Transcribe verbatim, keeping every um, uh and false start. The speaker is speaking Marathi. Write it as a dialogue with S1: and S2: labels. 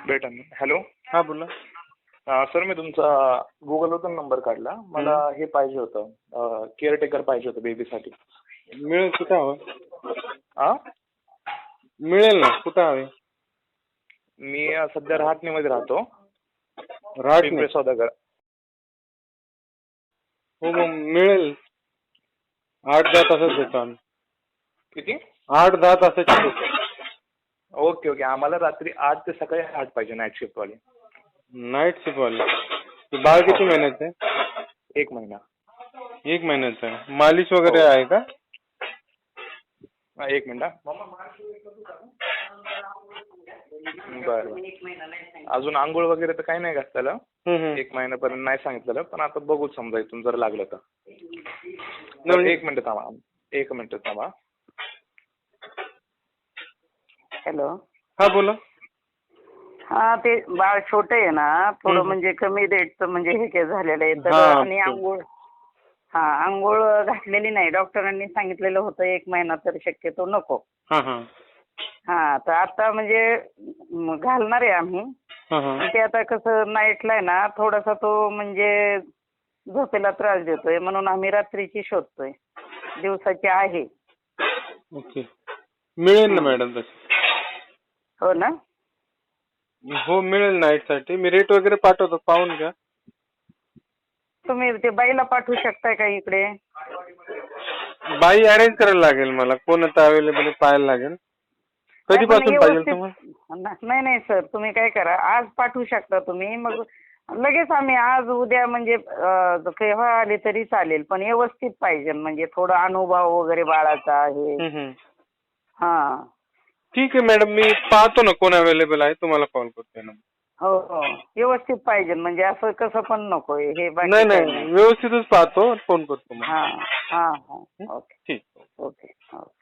S1: भेटा ना. हॅलो.
S2: हा बोला.
S1: अं, सर मी तुमचा गुगलवरून नंबर काढला. मला हे पाहिजे होतं, केअरटेकर पाहिजे होतं बेबीसाठी.
S2: मिळेल कुठं हवं?
S1: आ
S2: मिळेल ना, कुठं हवे?
S1: मी अं, सध्या रहाटणीमध्ये राहतो.
S2: राहट
S1: पिंपळे सौदागर.
S2: हो मग मिळेल. आठ दहा तासात देतो आम्ही.
S1: किती?
S2: आठ दहा तासाची देतो.
S1: Okay okay. आम्हाला रात्री आठ ते सकाळी आठ पाहिजे, नाईट शिफ्ट वाली.
S2: नाईट शिफ्ट वाले. ते बाळ किती महिन्याचं आहे?
S1: एक महिना.
S2: एक महिन्याचं आहे. मालिश वगैरे
S1: हो.
S2: आहे का?
S1: हा, एक मिनिट. बरं. अजून आंघोळ वगैरे तर काही नाही घात त्याला.
S2: हम्म, हम्म.
S1: एक महिन्यापर्यंत नाही सांगितलेलं, पण आता बघू समजा इथून जर लागलं तर.
S2: नाही, म्हणजे-
S1: एक मिनिट थांबा. एक मिनिट थांबा.
S3: हॅलो.
S2: हा बोला.
S3: हा ते बाळ छोटे आहे ना, थोडं
S2: हम्म.
S3: म्हणजे कमी रेटचं म्हणजे हे काय झालेलं आहे तर.
S2: हा,
S3: आणि
S2: ते-
S3: आंघोळ हा आंघोळ घातलेली नाही. डॉक्टरांनी सांगितलेलं होतं एक महिना तर शक्यतो नको.
S2: हा हा
S3: हा तर आता म्हणजे म, घालणार आहे आम्ही.
S2: हा हा
S3: पण ते आता कसं नाईटला आहे ना, थोडासा तो म्हणजे झोपेला त्रास देतोय, म्हणून आम्ही रात्रीची शोधतोय. दिवसाची आहे.
S2: ओके. मिळेल ना मॅडम तशी.
S3: हो ना.
S2: हो मिळेल नाईट साठी. मी रेट वगैरे पाठवतो, पाहून घ्या.
S3: तुम्ही ते बाईला पाठवू शकताय का इकडे?
S2: बाई अरेंज करायला लागेल मला. कोण आता अवेलेबल पाहायला लागेल.
S3: नाही, पण
S2: कधीपासून पाहिजे
S3: व्यवस्थित-
S2: तुम्हाला?
S3: नाही नाही सर, तुम्ही काय करा, आज पाठवू शकता तुम्ही. मग लगेच आम्ही आज उद्या म्हणजे अं, केव्हा आले तरी चालेल, पण व्यवस्थित पाहिजे. म्हणजे थोडा अनुभव वगैरे बाळाचा आहे.
S2: हम्म, हम्म.
S3: हा.
S2: ठीक आहे मॅडम, मी पाहतो ना कोण अवेलेबल आहे, तुम्हाला कॉल करतो ना.
S3: हो हो. व्यवस्थित पाहिजे, म्हणजे असं कसं पण नको हे बाकी
S2: नाही
S3: काही
S2: नाही, व्यवस्थितच पाहतो, फोन करतो मग.
S3: हा हा हा. ओके
S2: ठीक.
S3: Okay okay.